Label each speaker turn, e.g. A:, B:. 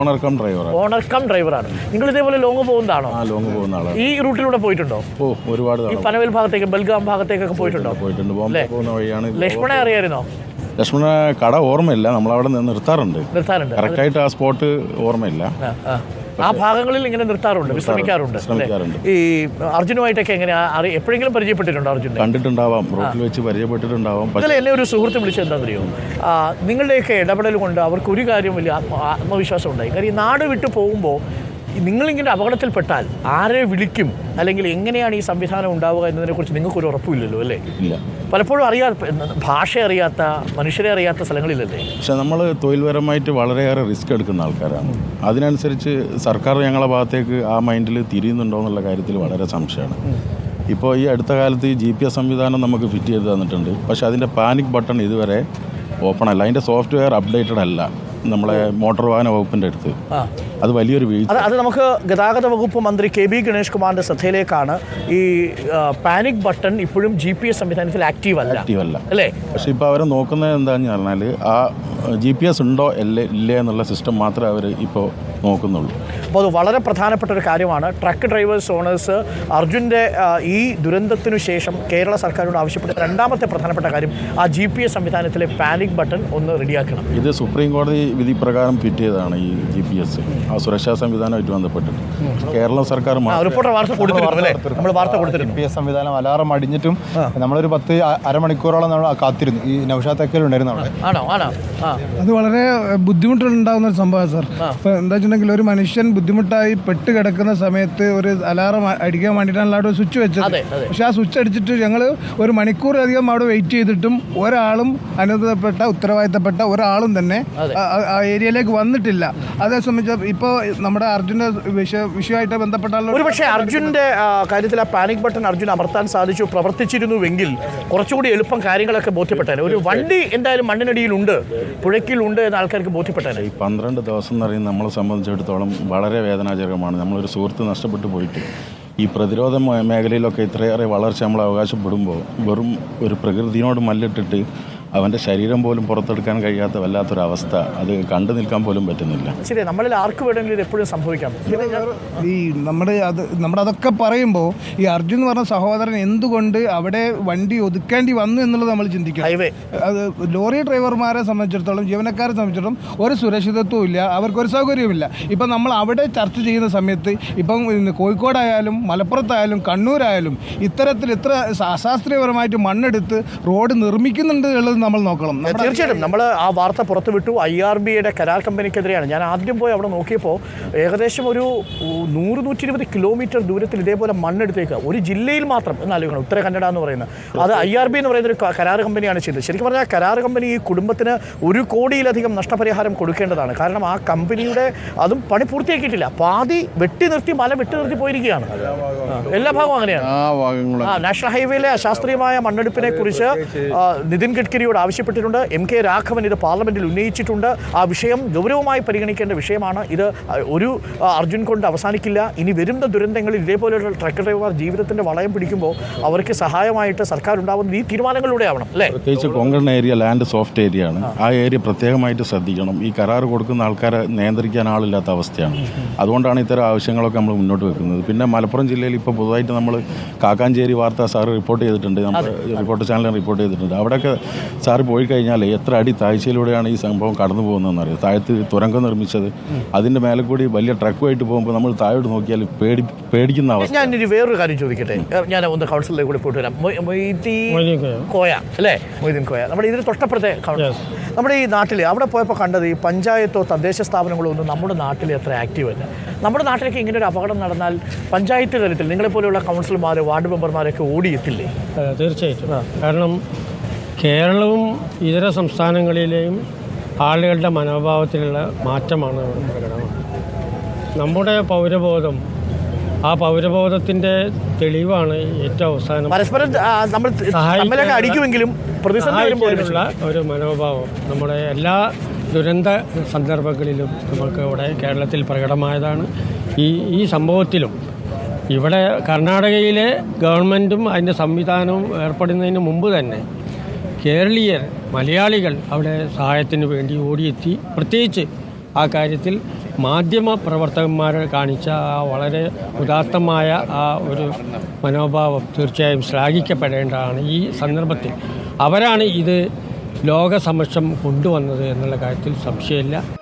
A: Owner come ഡ്രൈവറാണ്. നിങ്ങൾ ഇതേപോലെ ലോങ് പോകുന്നതാണോ?
B: ലോങ് പോകുന്ന ആളാണ്.
A: ഈ റൂട്ടിലൂടെ പോയിട്ടുണ്ടോ?
B: ഒരുപാട്.
A: ഈ പനവേൽ ഭാഗത്തേക്ക്, ബൽഗാം ഭാഗത്തേക്കൊക്കെ പോയിട്ടുണ്ടോ?
B: ബോംബെ പോകുന്ന വഴിയാണ്.
A: ലക്ഷ്മണനെ അറിയായിരുന്നോ?
B: ലക്ഷ്മണ കട ഓർമ്മയില്ല, നമ്മളവിടെ നിർത്താറുണ്ട്. കറക്റ്റായിട്ട് ആ സ്പോട്ട് ഓർമ്മയില്ല.
A: ആ ഭാഗങ്ങളിൽ ഇങ്ങനെ നിർത്താറുണ്ട്, വിശ്രമിക്കാറുണ്ട്. ഈ അർജുനുമായിട്ടൊക്കെ എങ്ങനെ എപ്പോഴെങ്കിലും പരിചയപ്പെട്ടിട്ടുണ്ടോ? അർജുൻ
B: കണ്ടിട്ടുണ്ടാവാം, റോഡിൽ വെച്ച് പരിചയപ്പെട്ടിട്ടുണ്ടാവാം.
A: അതിൽ എന്നെ ഒരു സുഹൃത്ത് വിളിച്ചത് എന്താണെന്നറിയോ, നിങ്ങളുടെയൊക്കെ ഇടപെടൽ കൊണ്ട് അവർക്ക് ഒരു കാര്യം വലിയ ആത്മവിശ്വാസം ഉണ്ടായി. കാര്യം ഈ നാട് വിട്ടു പോകുമ്പോൾ നിങ്ങളിങ്ങനെ അപകടത്തിൽപ്പെട്ടാൽ ആരെ വിളിക്കും, അല്ലെങ്കിൽ എങ്ങനെയാണ് ഈ സംവിധാനം ഉണ്ടാവുക എന്നതിനെക്കുറിച്ച് നിങ്ങൾക്കൊരു ഉറപ്പില്ലല്ലോ, അല്ലേ?
B: ഇല്ല.
A: പലപ്പോഴും ഭാഷ അറിയാത്ത, മനുഷ്യരെ അറിയാത്ത സ്ഥലങ്ങളിലല്ലേ?
B: പക്ഷെ നമ്മൾ തൊഴിൽപരമായിട്ട് വളരെയേറെ റിസ്ക് എടുക്കുന്ന ആൾക്കാരാണ്. അതിനനുസരിച്ച് സർക്കാർ ഞങ്ങളുടെ ഭാഗത്തേക്ക് ആ മൈൻഡിൽ തിരിയുന്നുണ്ടോ എന്നുള്ള കാര്യത്തിൽ വളരെ സംശയമാണ്. ഇപ്പോൾ ഈ അടുത്ത കാലത്ത് ഈ GPS സംവിധാനം നമുക്ക് ഫിറ്റ് ചെയ്ത് തന്നിട്ടുണ്ട്. പക്ഷേ അതിൻ്റെ പാനിക് ബട്ടൺ ഇതുവരെ ഓപ്പൺ അല്ല. അതിൻ്റെ സോഫ്റ്റ്വെയർ അപ്ഡേറ്റഡ് അല്ല നമ്മളെ മോട്ടോർ വാഹന വകുപ്പിൻ്റെ അടുത്ത്. അത് വലിയൊരു വീഴ്ച.
A: അത് നമുക്ക് ഗതാഗത വകുപ്പ് മന്ത്രി KB ഗണേഷ് കുമാറിൻ്റെ ശ്രദ്ധയിലേക്കാണ്. ഈ പാനിക് ബട്ടൺ ഇപ്പോഴും GPS സംവിധാനത്തിൽ ആക്റ്റീവ് അല്ല അല്ലേ?
B: പക്ഷേ ഇപ്പോൾ അവരെ നോക്കുന്നത് എന്താണെന്ന് പറഞ്ഞാൽ ആ GPS ഉണ്ടോ ഇല്ലേ എന്നുള്ള സിസ്റ്റം മാത്രമേ അവർ ഇപ്പോൾ നോക്കുന്നുള്ളൂ.
A: അപ്പോൾ അത് വളരെ പ്രധാനപ്പെട്ട ഒരു കാര്യമാണ്. ട്രക്ക് ഡ്രൈവേഴ്സ് ഓണേഴ്സ് അർജുൻ്റെ ഈ ദുരന്തത്തിനു ശേഷം കേരള സർക്കാരോട് ആവശ്യപ്പെട്ട രണ്ടാമത്തെ പ്രധാനപ്പെട്ട കാര്യം ആ GPS സംവിധാനത്തിലെ പാനിക് ബട്ടൺ ഒന്ന് റെഡിയാക്കണം.
B: ഇത് സുപ്രീം കോടതി വിധി പ്രകാരം ഫിറ്റ് ചെയ്തതാണ് ഈ GPS, ആ സുരക്ഷാ സംവിധാനമായിട്ട് ബന്ധപ്പെട്ടിട്ട്. കേരള സർക്കാർ
C: GPS സംവിധാനം അലാറം അടിഞ്ഞിട്ടും നമ്മളൊരു 10 അരമണിക്കൂറോളം നമ്മൾ കാത്തിരുന്നു. ഈ നൗഷാദ് അക്കൽ ഉണ്ടായിരുന്നു അവിടെ.
D: അത് വളരെ ബുദ്ധിമുട്ടുണ്ടാകുന്ന ഒരു സംഭവമാണ് സാർ. ഇപ്പോൾ എന്താ വെച്ചിട്ടുണ്ടെങ്കിൽ ഒരു മനുഷ്യൻ ബുദ്ധിമുട്ടായി പെട്ട് കിടക്കുന്ന സമയത്ത് ഒരു അലാറം അടിക്കാൻ വേണ്ടിയിട്ടാണ് അവിടെ സ്വിച്ച് വെച്ചത്. പക്ഷെ ആ സ്വിച്ച് അടിച്ചിട്ട് ഞങ്ങൾ ഒരു മണിക്കൂറധികം അവിടെ വെയിറ്റ് ചെയ്തിട്ടും ഒരാളും ഉത്തരവാദിത്തപ്പെട്ട ഒരാളും തന്നെ ആ ഏരിയയിലേക്ക് വന്നിട്ടില്ല. അതേ സംബന്ധിച്ച് ഇപ്പോൾ നമ്മുടെ അർജുൻ്റെ വിഷയമായിട്ട് ബന്ധപ്പെട്ടാൽ
A: ഒരുപക്ഷെ അർജുൻ്റെ കാര്യത്തിൽ ആ പാനിക് ബട്ടൺ അർജുൻ അമർത്താൻ സാധിച്ചു, പ്രവർത്തിച്ചിരുന്നുവെങ്കിൽ കുറച്ചുകൂടി എളുപ്പം കാര്യങ്ങളൊക്കെ ബോധ്യപ്പെട്ടേനെ. ഒരു വണ്ടി എന്തായാലും മണ്ണിനടിയിലുണ്ട്, പുഴയ്ക്കിലുണ്ട് എന്ന ആൾക്കാർക്ക് ബോധ്യപ്പെട്ടേനെ.
B: ഈ 12 ദിവസം എന്ന് പറയുന്നത് നമ്മളെ സംബന്ധിച്ചിടത്തോളം വളരെ വേദനാജനകമാണ്. നമ്മളൊരു സുഹൃത്ത് നഷ്ടപ്പെട്ടു പോയിട്ട് ഈ പ്രതിരോധ മേഖലയിലൊക്കെ ഇത്രയേറെ വളർച്ച നമ്മൾ അവകാശപ്പെടുമ്പോൾ വെറും ഒരു പ്രകൃതിയോട് മല്ലിട്ടിട്ട് അവൻ്റെ ശരീരം പോലും പുറത്തെടുക്കാൻ കഴിയാത്ത വല്ലാത്തൊരവസ്ഥ, അത് കണ്ടു നിൽക്കാൻ പോലും പറ്റുന്നില്ല.
A: ശരി, നമ്മളിൽ ആർക്ക് വേണമെങ്കിലും ഇത് എപ്പോഴും സംഭവിക്കാം.
D: ഈ നമ്മളതൊക്കെ പറയുമ്പോൾ ഈ അർജുൻ എന്ന് പറഞ്ഞ സഹോദരൻ എന്തുകൊണ്ട് അവിടെ വണ്ടി ഒതുക്കേണ്ടി വന്നു എന്നുള്ളത് നമ്മൾ ചിന്തിക്കണം. അത് ലോറി ഡ്രൈവർമാരെ സംബന്ധിച്ചിടത്തോളം, ജീവനക്കാരെ സംബന്ധിച്ചിടത്തോളം ഒരു സുരക്ഷിതത്വവും ഇല്ല, അവർക്കൊരു സൗകര്യവുമില്ല. ഇപ്പം നമ്മൾ അവിടെ ചർച്ച ചെയ്യുന്ന സമയത്ത് ഇപ്പം കോഴിക്കോടായാലും മലപ്പുറത്തായാലും കണ്ണൂരായാലും ഇത്തരത്തിൽ ഇത്ര അശാസ്ത്രീയപരമായിട്ട് മണ്ണെടുത്ത് റോഡ് നിർമ്മിക്കുന്നുണ്ട് എന്നുള്ളത് നമ്മൾ നോക്കണം.
A: തീർച്ചയായിട്ടും നമ്മൾ ആ വാർത്ത പുറത്തുവിട്ടു. IRBയുടെ കരാർ കമ്പനിക്കെതിരെയാണ്. ഞാൻ ആദ്യം പോയി അവിടെ നോക്കിയപ്പോൾ ഏകദേശം ഒരു 100-120 കിലോമീറ്റർ ദൂരത്തിൽ ഇതേപോലെ മണ്ണെടുത്തേക്കുക, ഒരു ജില്ലയിൽ മാത്രം എന്നാലോചിക്കണം. ഉത്തര കന്നഡ എന്ന് പറയുന്നത് അത് IRB എന്ന് പറയുന്നൊരു കരാർ കമ്പനിയാണ് ചെയ്തത്. ശരിക്കും പറഞ്ഞാൽ കരാർ കമ്പനി ഈ കുടുംബത്തിന് 1 കോടിയിലധികം നഷ്ടപരിഹാരം കൊടുക്കേണ്ടതാണ്. കാരണം ആ കമ്പനിയുടെ അതും പണി പൂർത്തിയാക്കിയിട്ടില്ല, പാതി വെട്ടി നിർത്തി പോയിരിക്കുകയാണ്. എല്ലാ ഭാഗവും അങ്ങനെയാണ്. നാഷണൽ ഹൈവേയിലെ അശാസ്ത്രീയമായ മണ്ണെടുപ്പിനെ കുറിച്ച് നിതിൻ ഗഡ്കരിയോട് ആവശ്യപ്പെട്ടിട്ടുണ്ട്. MK രാഘവൻ ഇത് പാർലമെന്റിൽ ഉന്നയിച്ചിട്ടുണ്ട്. ആ വിഷയം ഗൗരവമായി പരിഗണിക്കേണ്ട വിഷയമാണ്. ഇത് ഒരു അർജുൻ കൊണ്ട് അവസാനിക്കില്ല. ഇനി വരുന്ന ദുരന്തങ്ങളിൽ ഇതേപോലെയുള്ള ട്രക്ക് ഡ്രൈവർ ജീവിതത്തിന്റെ വളയം പിടിക്കുമ്പോൾ അവർക്ക് സഹായമായിട്ട് സർക്കാർ ഉണ്ടാവുന്നത് ഈ തീരുമാനങ്ങളിലൂടെ ആവണം, അല്ലേ?
B: പ്രത്യേകിച്ച് Konkan area land soft area ആണ്. ആ ഏരിയ പ്രത്യേകമായിട്ട് ശ്രദ്ധിക്കണം. ഈ കരാർ കൊടുക്കുന്ന ആൾക്കാരെ നിയന്ത്രിക്കാൻ ആളില്ലാത്ത അവസ്ഥയാണ്. അതുകൊണ്ടാണ് ഇത്തരം ആവശ്യങ്ങളൊക്കെ നമ്മൾ മുന്നോട്ട് വെക്കുന്നത്. പിന്നെ മലപ്പുറം ജില്ലയിൽ ഇപ്പോൾ പുതുതായിട്ട് നമ്മൾ കാക്കാഞ്ചേരി വാർത്ത സാറ് റിപ്പോർട്ട് ചെയ്തിട്ടുണ്ട്, നമ്മുടെ റിപ്പോർട്ട് ചാനലിൽ റിപ്പോർട്ട് ചെയ്തിട്ടുണ്ട്. അവിടെയൊക്കെ സാറ് പോയി കഴിഞ്ഞാൽ എത്ര അടി താഴ്ചയിലൂടെയാണ് ഈ സംഭവം കടന്നു പോകുന്നതെന്ന് അറിയാം. താഴത്ത് തുരങ്കം നിർമ്മിച്ചത്, അതിൻ്റെ മേലെ കൂടി വലിയ ട്രക്കുമായിട്ട് പോകുമ്പോൾ നമ്മൾ താഴോട്ട് നോക്കിയാൽ പേടിക്കുന്ന അവസ്ഥ.
A: ഞാനൊരു വേറൊരു കാര്യം ചോദിക്കട്ടെ, ഞാൻ ഒന്ന് കൗൺസിലിലേക്ക് കൂടി പോയിട്ട് വരാം. കോയ അല്ലേ, മൊയ്തീൻ കോയ, നമ്മുടെ ഇതിന് തൊട്ടപ്പുറത്തെ നമ്മുടെ ഈ നാട്ടിൽ അവിടെ പോയപ്പോൾ കണ്ടത് ഈ പഞ്ചായത്തോ തദ്ദേശ സ്ഥാപനങ്ങളോ ഒന്നും നമ്മുടെ നാട്ടിൽ അത്ര ആക്റ്റീവ് അല്ല. നമ്മുടെ നാട്ടിലേക്ക് ഇങ്ങനെ ഒരു അപകടം നടന്നാൽ പഞ്ചായത്ത് തലത്തിൽ നിങ്ങളെപ്പോലെയുള്ള കൗൺസിലർമാർ, വാർഡ് മെമ്പർമാരൊക്കെ ഓടിയെത്തില്ലേ?
E: തീർച്ചയായിട്ടും. കാരണം കേരളവും ഇതര സംസ്ഥാനങ്ങളിലെയും ആളുകളുടെ മനോഭാവത്തിലുള്ള മാറ്റമാണ് പ്രകടമാണ്. നമ്മുടെ പൗരബോധം, ആ പൗരബോധത്തിൻ്റെ തെളിവാണ് ഏറ്റവും അവസാനം സഹായിക്കാനുള്ള ഒരു മനോഭാവം നമ്മുടെ എല്ലാ ദുരന്ത സന്ദർഭങ്ങളിലും നമുക്ക് ഇവിടെ കേരളത്തിൽ പ്രകടമായതാണ്. ഈ സംഭവത്തിലും ഇവിടെ കർണാടകയിലെ ഗവൺമെൻറ്റും അതിൻ്റെ സംവിധാനവും ഏർപ്പെടുന്നതിന് മുമ്പ് തന്നെ കേരളീയർ, മലയാളികൾ അവിടെ സഹായത്തിന് വേണ്ടി ഓടിയെത്തി. പ്രത്യേകിച്ച് ആ കാര്യത്തിൽ മാധ്യമ പ്രവർത്തകന്മാർ കാണിച്ച ആ വളരെ ഉദാത്തമായ ആ ഒരു മനോഭാവം തീർച്ചയായും ശ്ലാഘിക്കപ്പെടേണ്ടതാണ്. ഈ സന്ദർഭത്തിൽ അവരാണ് ഇത് ലോകസമക്ഷം കൊണ്ടുവന്നത് എന്നുള്ള കാര്യത്തിൽ സംശയമില്ല.